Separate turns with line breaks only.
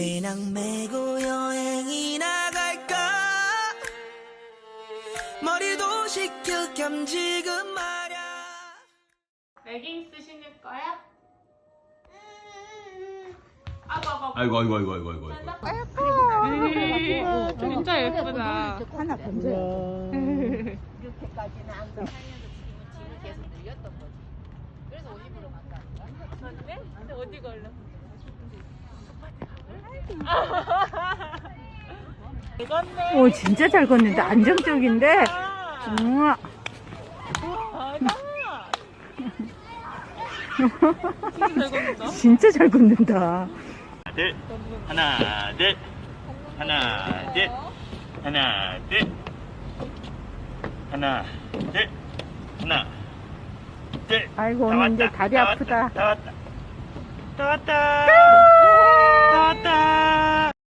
그냥 메고 여행이 나갈까 머리도 식힐 겸 지금 말야.
레깅스 신을 거야?
아이고.
진짜 예쁘다.
하나 건져.
이렇게까지는 안 가. 짐을 계속 늘렸던 거지. 그래서 50으로 간다.
근데 어디 걸려?
오 진짜 잘 걷는다. 안정적인데. 우와. 진짜 잘 걷는다.
둘, 하나, 둘, 하나, 둘, 하나, 둘, 하나, 둘, 하나, 둘.
아이고
다
오늘 이제
왔다,
다리
다
아프다.
왔다, 다 왔다. 다 왔다. 다 왔다.